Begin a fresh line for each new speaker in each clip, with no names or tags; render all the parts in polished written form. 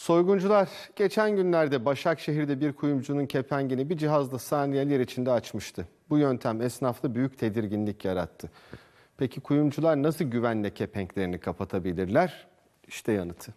Soyguncular geçen günlerde Başakşehir'de bir kuyumcunun kepengini bir cihazla saniyeler içinde açmıştı. Bu yöntem esnafta büyük tedirginlik yarattı. Peki kuyumcular nasıl güvenle kepenklerini kapatabilirler? İşte yanıtı.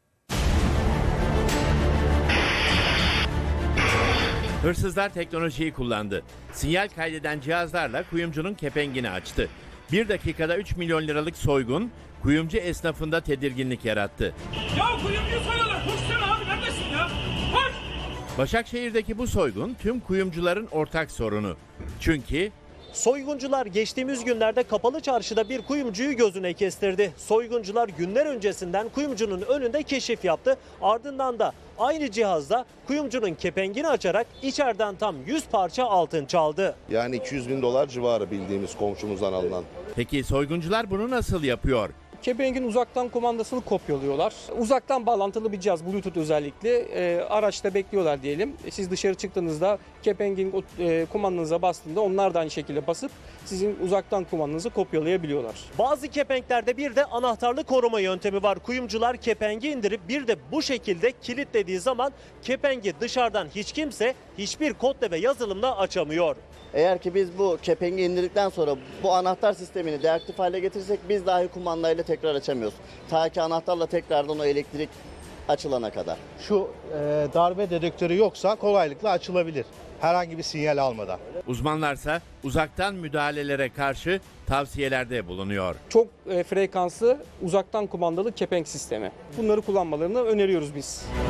Hırsızlar teknolojiyi kullandı. Sinyal kaydeden cihazlarla kuyumcunun kepengini açtı. 1 dakikada 3 milyon liralık soygun kuyumcu esnafında tedirginlik yarattı.
Ya kuyumcuyu soruyorlar. Koşsana abi, neredesin ya? Koş!
Başakşehir'deki bu soygun tüm kuyumcuların ortak sorunu. Çünkü
soyguncular geçtiğimiz günlerde kapalı çarşıda bir kuyumcuyu gözüne kestirdi. Soyguncular günler öncesinden kuyumcunun önünde keşif yaptı. Ardından da aynı cihazla kuyumcunun kepengini açarak içeriden tam 100 parça altın çaldı.
Yani 200 bin dolar civarı bildiğimiz komşumuzdan alınan.
peki soyguncular bunu nasıl yapıyor?
Kepengin uzaktan kumandasını kopyalıyorlar. Uzaktan bağlantılı bir cihaz, Bluetooth özellikle. Araçta bekliyorlar diyelim. Siz dışarı çıktığınızda kepengin kumandanıza bastığında onlar da aynı şekilde basıp sizin uzaktan kumandanızı kopyalayabiliyorlar.
Bazı kepenklerde bir de anahtarlı koruma yöntemi var. Kuyumcular kepengi indirip bir de bu şekilde kilitlediği zaman kepengi dışarıdan hiç kimse hiçbir kodla ve yazılımla açamıyor.
Eğer ki biz bu kepengi indirdikten sonra bu anahtar sistemini deaktif hale getirirsek biz dahi kumandayla tekrar açamıyoruz. Ta ki anahtarla tekrardan o elektrik açılana kadar.
Şu darbe dedektörü yoksa kolaylıkla açılabilir. Herhangi bir sinyal almadan.
Uzmanlarsa uzaktan müdahalelere karşı tavsiyelerde bulunuyor.
Çok frekanslı uzaktan kumandalı kepenk sistemi. Bunları kullanmalarını öneriyoruz biz.